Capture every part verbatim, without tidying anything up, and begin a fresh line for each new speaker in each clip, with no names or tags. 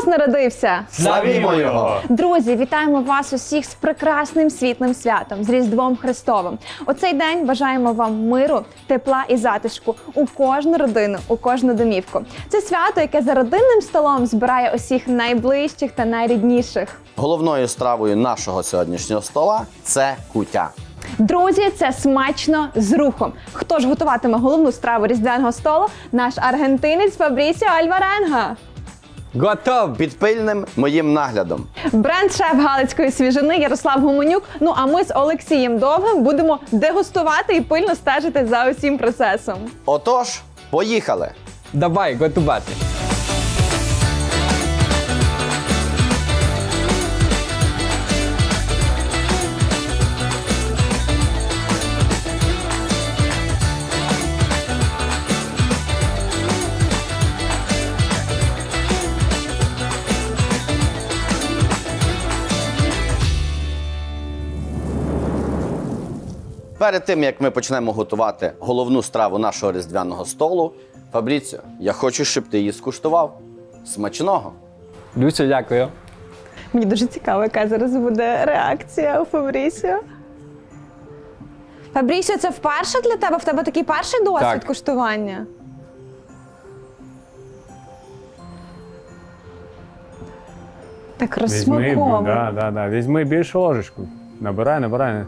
Христос народився!
Славімо Його!
Друзі, вітаємо вас усіх з прекрасним світлим святом, з Різдвом Христовим. У цей день бажаємо вам миру, тепла і затишку у кожну родину, у кожну домівку. Це свято, яке за родинним столом збирає усіх найближчих та найрідніших.
Головною стравою нашого сьогоднішнього стола – це куття.
Друзі, це смачно з рухом. Хто ж готуватиме головну страву різдвяного столу? Наш аргентинець Фабрісіо Альваренга.
Готов!
Під пильним моїм наглядом.
Бренд-шеф галицької свіжини Ярослав Гуменюк. Ну а ми з Олексієм Довгим будемо дегустувати і пильно стежити за усім процесом.
Отож, поїхали!
Давай готувати.
Перед тим, як ми почнемо готувати головну страву нашого різдвяного столу, Фабріціо, я хочу, щоб ти її скуштував. Смачного!
Дуже дякую.
Мені дуже цікаво, яка зараз буде реакція у Фабрісіо. Фабрісіо, це вперше для тебе? В тебе такий перший досвід
Так.
куштування? Так
Візьми,
розсмаковано.
да, да, да. Візьми більшу ложечку. Набирай, набирай.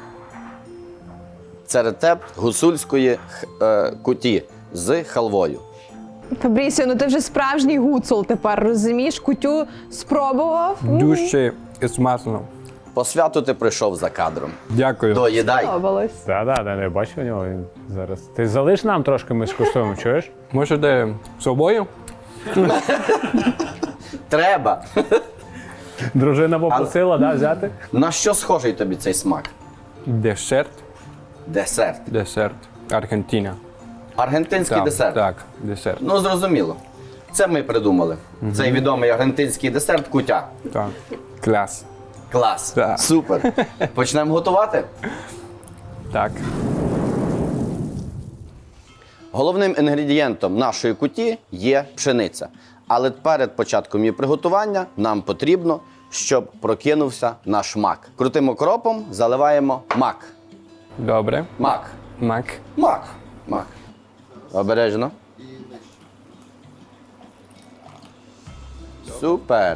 Це рецепт гуцульської х- е, куті з халвою.
Фабрісіо, ну ти вже справжній гуцул тепер, розумієш? Кутю спробував.
Дуже смачно.
По святу ти прийшов за кадром.
Дякую.
Доїдай.
Сподобалось.
Да, да, да, я бачу у нього він зараз. Ти залиш нам трошки, ми скуштуємо, чуєш?
Можете з собою?
Треба.
Дружина попросила, да, взяти?
На що схожий тобі цей смак?
Десерт.
Десерт.
Десерт. Аргентина.
Аргентинський
Так,
десерт.
Так, десерт.
Ну, зрозуміло. Це ми придумали. Цей відомий аргентинський десерт куття.
Так. Клас.
Клас.
Так.
Супер. Почнемо готувати?
Так.
Головним інгредієнтом нашої куті є пшениця. Але перед початком її приготування нам потрібно, щоб прокинувся наш мак. Крутим окропом заливаємо мак.
Добре.
Мак.
Мак.
Мак. Мак. Обережно. Супер.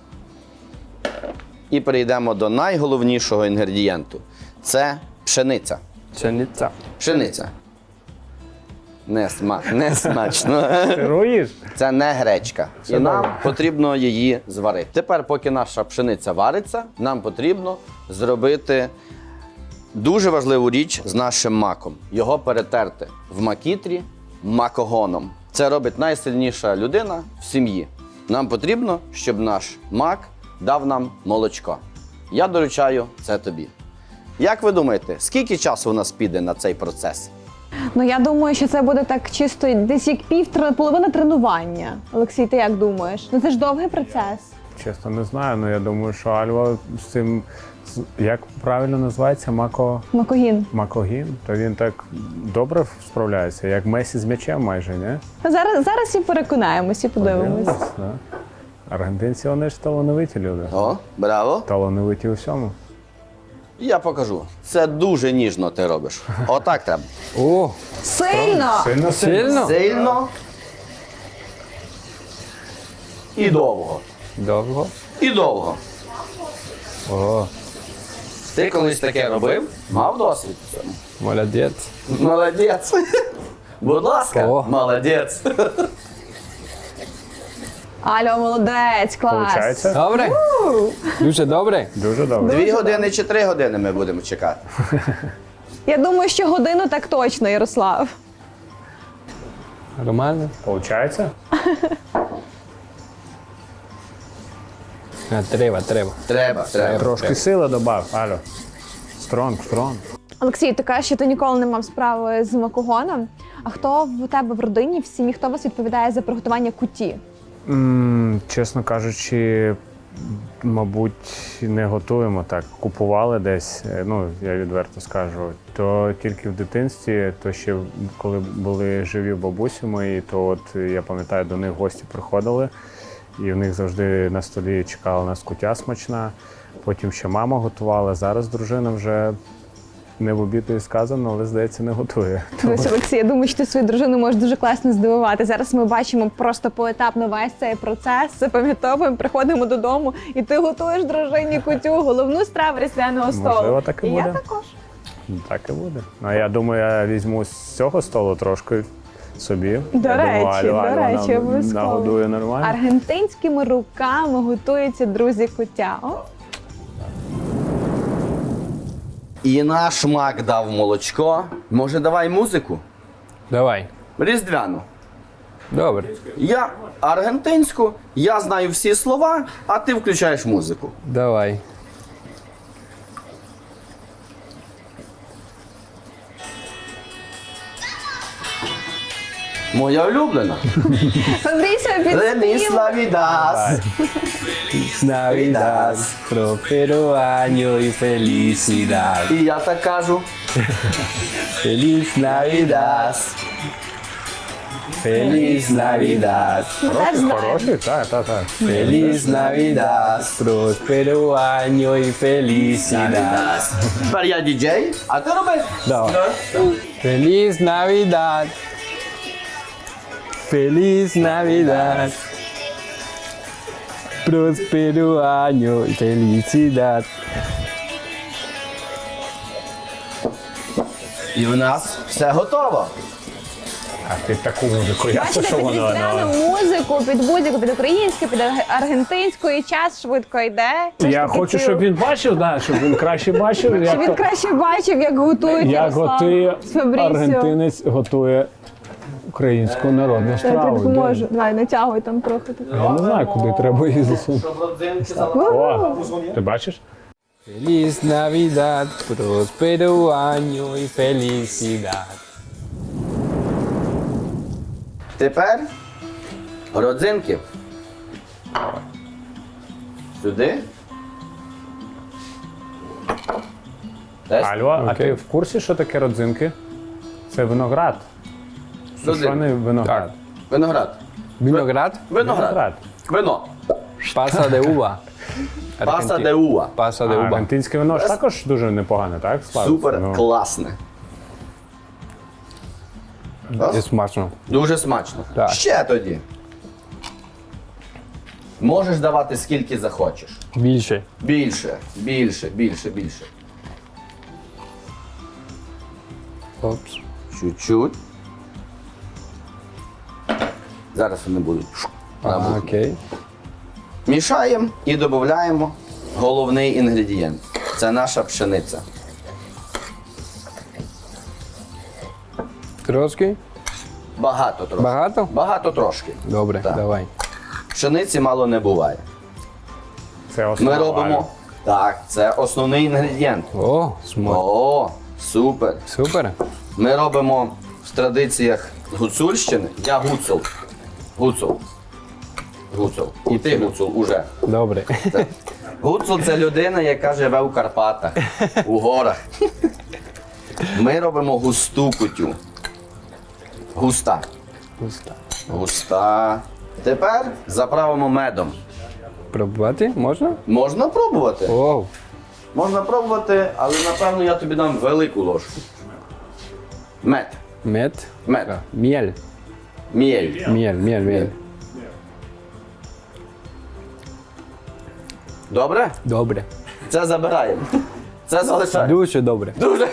І перейдемо до найголовнішого інгредієнту. Це пшениця.
Пшениця.
Пшениця. Не, сма... не смачно.
Керуєш?
Це не гречка. І нам потрібно її зварити. Тепер, поки наша пшениця вариться, нам потрібно зробити дуже важливу річ з нашим маком. Його перетерти в макітрі макогоном. Це робить найсильніша людина в сім'ї. Нам потрібно, щоб наш мак дав нам молочко. Я доручаю це тобі. Як ви думаєте, скільки часу у нас піде на цей процес?
Ну я думаю, що це буде так чисто десь як пів, тр- половина тренування. Олексій, ти як думаєш? Ну це ж довгий процес.
Чесно, не знаю, але я думаю, що Альва з цим, з- як правильно називається, мако...
Макогін.
макогін, то він так добре справляється, як Месі з м'ячем майже, не?
Ну, Зараз, зараз і переконаємось, і подивимось.
Да. Аргентинці, вони ж талановиті люди.
О, браво!
Талановиті у всьому.
Я покажу. Це дуже ніжно ти робиш. Отак треба.
О,
Сильно!
Сильно
сильно?
Сильно і довго.
Довго.
І довго.
О,
Ти колись таке робив? Мав досвід в цьому?
молодець.
Молодець. Будь ласка,
О.
молодець.
Алло, молодець, клас!
Получається?
Добре? Дуже добре?
Дуже добре.
Дві години чи три години ми будемо чекати.
Я думаю, що годину так точно, Ярослав.
Нормально?
Получається?
А, треба, треба.
Треба, треба.
Трошки сили добав, Алло. Стронг, стронг.
Олексій, ти кажеш, що ти ніколи не мав справи з макогоном. А хто в тебе в родині, в сім'ї, хто у вас відповідає за приготування куті?
М, чесно кажучи, мабуть, не готуємо так. Купували десь, е, ну, я відверто скажу, то тільки в дитинстві, то ще коли були живі бабусі мої, то от я пам'ятаю, до них гості приходили. і в них завжди на столі чекала нас кутя смачна. Потім ще мама готувала. Зараз дружина вже не в обіду і сказано, але, здається, не готує.
Дивись, Олексій, я думаю, що ти свою дружину можеш дуже класно здивувати. Зараз ми бачимо просто поетапно весь цей процес, запам'ятовуємо, приходимо додому, і ти готуєш дружині кутю, головну страву різдвяного столу.
Можливо, так і
я
буде.
також.
Так і буде. А я думаю, я візьму з цього столу трошки собі.
До
Я
речі,
думаю, Алю,
до
Алю
речі,
нам
обов'язково.
нагодує нормально.
Аргентинськими руками готується, друзі, кутя. О,
І наш мак дав молочко. Може, давай музику?
Давай.
Різдвяну.
Добре.
Я аргентинську, я знаю всі слова, а ти включаєш музику.
Давай.
Моя улюблена.
Андрійся,
Феліс
підспів.
Навідас.
Navidad, prospero año y felicidad.
І я так кажу.
Feliz Navidad. Feliz Navidad.
Хороший, хороший, так, так, так.
Feliz Navidad, prospero año y felicidad.
Тепер я діджей, а ти роби.
Давай. Feliz Navidad. Feliz Navidad. Prospero año y felicidad.
І в нас все готово.
А ти таку музику, я
Бачите,
що
під
воно.
різдвяну
ну.
музику, під будь-яку, під українську, під аргентинську, і час швидко йде. Все ж
Я
таки
хочу,
ці-
щоб він бачив, да, щоб він краще бачив,
Щоб
як,
він
то-
краще бачив, як готують
як
Ярослав
готує
з Фабрісіо.
аргентинець, готує українську народну
Я тобі
страву.
допоможу. Давай, натягуй там трохи.
Я не знаю, куди треба її засунути. О, ти бачиш?
Feliz Navidad, prospero año y felicidad.
Тепер родзинки. Сюди. Теж
Алло, а
Окей.
ти в курсі, що таке родзинки? Це виноград. Сушений виноград.
Так.
Виноград.
Vinograd,
Виноград. Вино.
pasa de uva.
Паса
Argenti-
де уа.
Pasa
А
de uva.
аргентинське вино ж також дуже непогане, так? славиться?
Супер
Ну,
класне.
І смачно.
Дуже смачно.
Так.
Ще тоді. Можеш давати скільки захочеш.
Більше.
Більше, більше, більше, більше.
Опс.
Чуть-чуть. Зараз вони будуть.
А,
набухнути.
окей.
Мішаємо і додаємо головний інгредієнт. Це наша пшениця.
Трошки?
Багато трошки.
Багато?
Багато трошки.
Добре,
Так.
давай.
Пшениці мало не буває.
Це основа.
Ми робимо. Так, це основний інгредієнт.
О, смак.
О, супер.
Супер.
Ми робимо в традиціях Гуцульщини. Я гуцул. Гуцул. Гуцул. І ти гуцул уже.
Добре.
Гуцул це людина, яка живе у Карпатах, у горах. Ми робимо густу кутю. Густа.
Густа.
Густа. Тепер заправимо медом.
Пробувати можна?
Можна пробувати.
О,
Можна пробувати, але напевно я тобі дам велику ложку. Мед.
мед.
Мед.
А, Міль.
Міль.
Міль, міль, міль.
Добре?
Добре.
Це забираємо. Це залишаємо.
Дуже добре.
Дуже.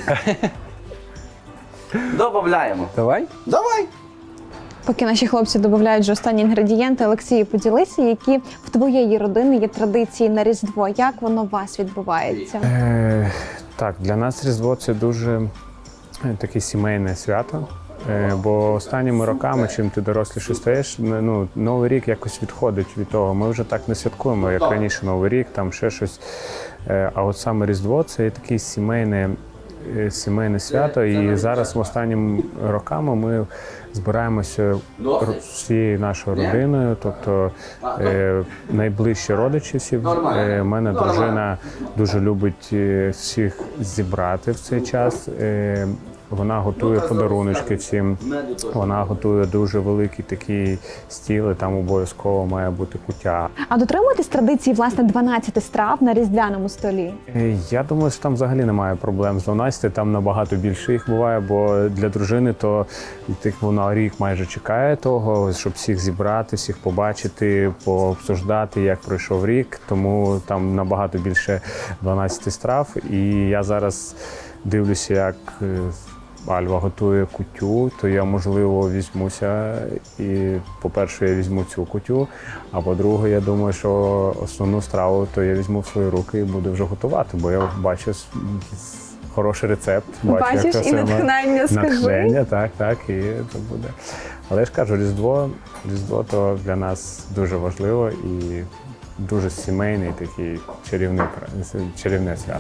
Добавляємо.
Давай.
Давай.
Поки наші хлопці додають вже останні інгредієнти, Олексію, поділися, які в твоєї родини є традиції на Різдво. Як воно у вас відбувається?
Е, так, для нас Різдво це дуже е, таке сімейне свято. Е, бо останніми роками, чим ти доросліше стаєш, ну, Новий рік якось відходить від того. Ми вже так не святкуємо, як раніше Новий рік, там ще щось. Е, а от саме Різдво це є таке сімейне, е, сімейне свято. І зараз останніми роками ми збираємося ро- всією нашою родиною, тобто е, найближчі родичі всі. Е, мене дружина дуже любить е, всіх зібрати в цей час. Е, Вона готує подаруночки всім. Вона готує дуже великий такий стіл, і там обов'язково має бути куття.
А дотримуєтесь традиції, власне, дванадцяти страв на різдвяному столі?
Е, Я думаю, що там взагалі немає проблем з дванадцяти, там набагато більше їх буває, бо для дружини то так, вона рік майже чекає того, щоб всіх зібрати, всіх побачити, пообсуждати, як пройшов рік, тому там набагато більше дванадцяти страв. І я зараз дивлюся, як е, Альва готує кутю, то я, можливо, візьмуся і, по-перше, я візьму цю кутю, а по-друге, я думаю, що основну страву то я візьму в свої руки і буду вже готувати, бо я бачу с- с- хороший рецепт. Бачу,
Бачиш,
як це
і
все на-
натхнення, скажи.
натхнення, так, так, і це буде. Але я ж кажу, Різдво, Різдво то для нас дуже важливо і дуже сімейний такий чарівний, пра- чарівне свято.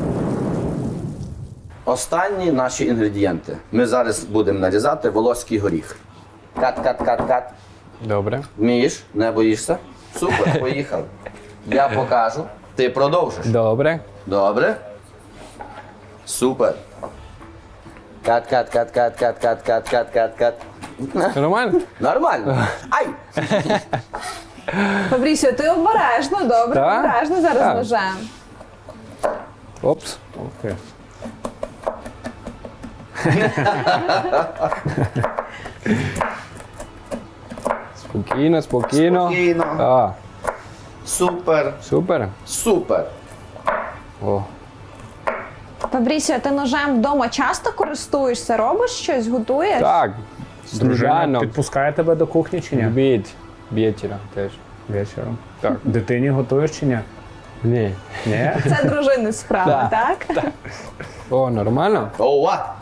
Останні наші інгредієнти. Ми зараз будемо нарізати волоський горіх. Кат, кат, кат, кат.
Добре.
Вмієш? Не боїшся? Супер, поїхали. Я покажу. Ти продовжиш.
Добре.
Добре? Супер. Кат, кат, кат, кат, кат, кат, кат, кат, кат, кат.
Нормально?
Нормально. Ай!
Фабрісіо, ти обережно, добре,
Так?
обережно зараз
Так.
ножем.
Опс.
Окей.
Спокійно, спокійно.
Спокійно.
А,
Супер.
супер.
Супер.
О.
Фабрісіо, ти ножем вдома часто користуєшся, робиш щось, готуєш?
Так.
Дружина
Сніданок.
підпускає тебе до кухні чи ні?
Обід. Вечора теж.
Вечором.
Так.
Дитині готуєш чи ні?
Ні.
Ні?
Це дружини справа, так?
О, нормально?
Ова!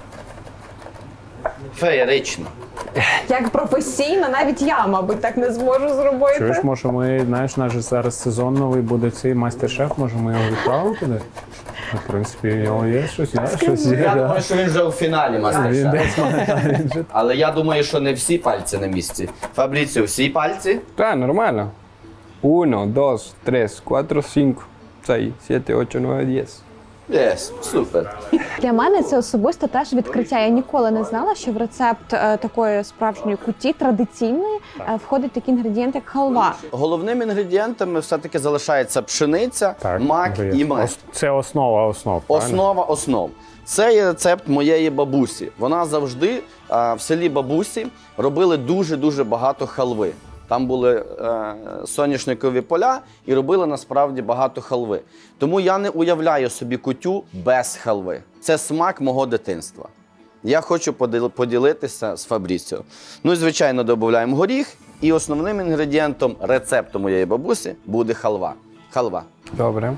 Феєрично.
Як професійно, навіть я, мабуть, так не зможу зробити.
Чуєш, може ми, знаєш, наш же зараз сезон новий буде цей майстер-шеф, може ми його відправимо туди? Ну, в принципі, у нього є щось, є щось є.
Я
да.
думаю, що він вже у фіналі
Він
мастер-шеф.
десь має, та, він же-
Але я думаю, що не всі пальці на місці. Фабріціо, всі пальці?
Так, нормально. Uno, dos, tres, cuatro, cinco, seis, siete, ocho, nueve, diez.
Єс, супер.
Для мене це особисто теж відкриття. Я ніколи не знала, що в рецепт е, такої справжньої куті, традиційної, е, входить такий інгредієнт, як халва.
Головними інгредієнтами все-таки залишається пшениця,
Так,
мак
вже є.
і мед.
Ос- Це основа основ, правильно?
Основа основ. Це є рецепт моєї бабусі. Вона завжди а, в селі бабусі робили дуже-дуже багато халви. Там були е, соняшникові поля і робили насправді багато халви. Тому я не уявляю собі кутю без халви. Це смак мого дитинства. Я хочу поділ- поділитися з Фабріціо. Ну і, звичайно, додаємо горіх. І основним інгредієнтом рецепту моєї бабусі буде халва. Халва.
Добре.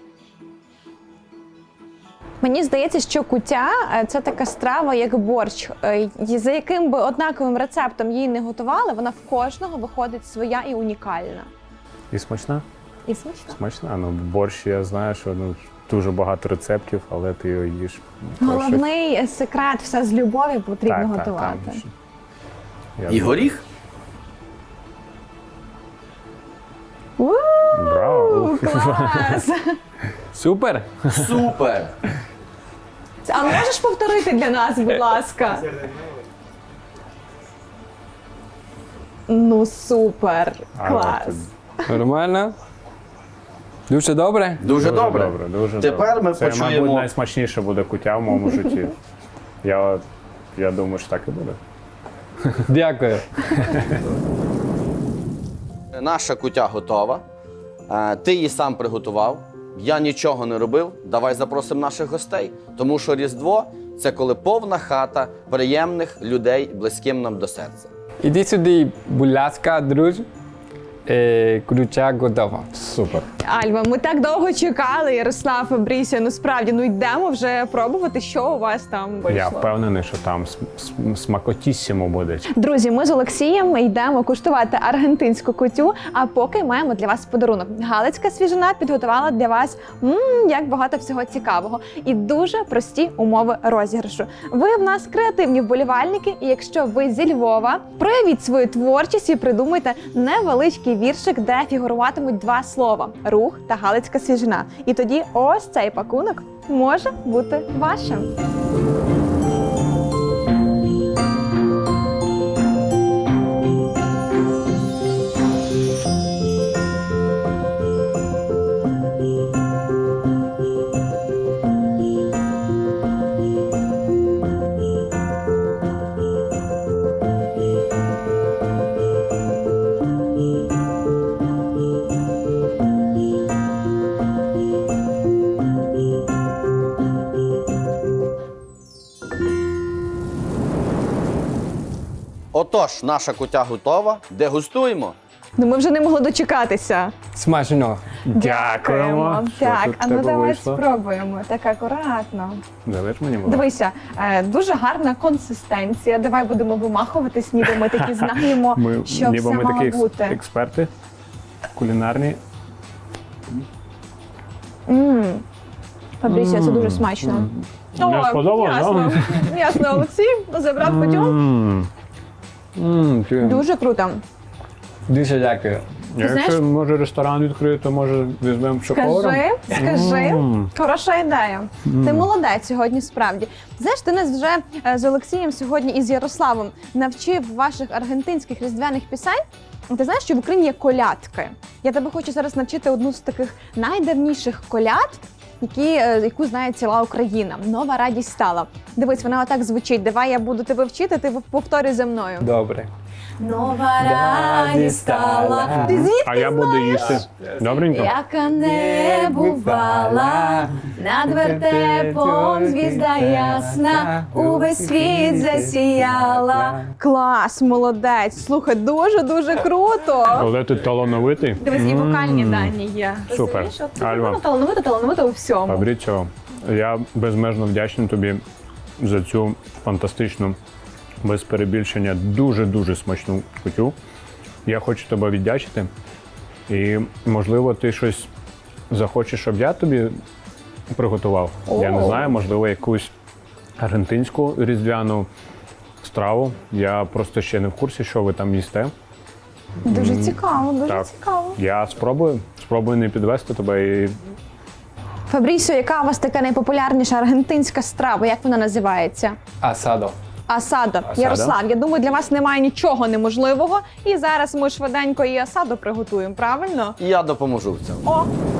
Мені здається, що куття е, – це така страва, як борщ. Е, і За яким би однаковим рецептом її не готували, вона в кожного виходить своя і унікальна.
І смачна?
І смачна.
Смачна. Ну, борщ, я знаю, що ну, дуже багато рецептів, але ти його їш.
Головний секрет – все з любові потрібно
Так, так,
готувати.
так. Я
І горіх?
У,
Браво!
клас!
Супер.
Супер!
А можеш повторити для нас, будь ласка? Ну, супер!
А,
Клас!
от,
Нормально. Дуже добре.
Дуже,
Дуже
добре.
добре, дуже
Тепер
добре.
ми
Це,
почуємо.
мабуть, найсмачніше буде куття в моєму житті. Я, я думаю, що так і буде.
Дякую.
Наша кутя готова. Е, Ти її сам приготував. Я нічого не робив. Давай запросимо наших гостей. Тому що Різдво – це коли повна хата приємних людей, близьким нам до серця.
Іди сюди, будь ласка, друже. Е, Круча готова.
Супер.
Альва, ми так довго чекали, Ярослав, Фабрісіо, ну справді, ну йдемо вже пробувати, що у вас там вийшло.
Я впевнений, що там см- см- смакотіссимо буде.
Друзі, ми з Олексієм йдемо куштувати аргентинську кутю, а поки маємо для вас подарунок. Галицька свіжина підготувала для вас м, як багато всього цікавого і дуже прості умови розіграшу. Ви в нас креативні вболівальники, і якщо ви зі Львова, проявіть свою творчість і придумайте невеличкий віршик, де фігуруватимуть два слова – рух та галицька свіжина. І тоді ось цей пакунок може бути вашим.
Отож, наша кутя готова. Дегустуємо.
Ну ми вже не могли дочекатися.
Смачно.
Дякуємо. Що
Так,
тут в
а ну
тебе
давай
вийшло?
спробуємо. Так акуратно.
Залиш мені, будь ласка.
Дивися, е, дуже гарна консистенція. Давай будемо вимахуватись, ніби ми такі знаємо,
Ми,
що
ніби
все
ми
мало
такі екс-
бути.
експерти кулінарні.
Фабрісія, це дуже смачно.
Не сподобалось,
ясно, ясно, Олексій забрав кутю.
М.
М, ти-
Дуже круто.
Дуже дякую.
знаєш-
Якщо може ресторан відкрити, то може візьмемо шоколадом.
Скажи, скажи,
М.
хороша ідея. Ти молодець сьогодні, справді. Знаєш, ти нас вже е, з Олексієм сьогодні і з Ярославом навчив ваших аргентинських різдвяних пісень. Ти знаєш, що в Україні є колядки. Я тебе хочу зараз навчити одну з таких найдавніших коляд, які, е, яку знає ціла Україна. Нова радість стала. Дивись, вона отак звучить. Давай я буду тебе вчити, ти повторюй за мною.
Добре.
Нова радість стала. Ти звідки
А я буду їсти. Добренько?
яка не бувала, над вертепом звізда ясна, увесь світ засіяла. Клас, молодець. Слухай, дуже-дуже круто.
Але ти талановитий.
Дивись, і вокальні дані є.
Супер.
Розумієш? От
Альва.
вона талановита, талановита у всьому.
Фабріціо, я безмежно вдячний тобі за цю фантастичну, без перебільшення, дуже-дуже смачну кутю. Я хочу тебе віддячити. І, можливо, ти щось захочеш, щоб я тобі приготував. Я не
О.
знаю, можливо, якусь аргентинську різдвяну страву. Я просто ще не в курсі, що ви там їсте.
Дуже цікаво, дуже
Так.
цікаво.
Я спробую, спробую не підвести тебе і
Фабрісіо, яка у вас така найпопулярніша аргентинська страва? Як вона називається?
Асадо.
Асадо.
Асадо.
Ярослав, я думаю, для вас немає нічого неможливого. І зараз ми швиденько і асадо приготуємо, правильно?
І я допоможу в цьому.
О,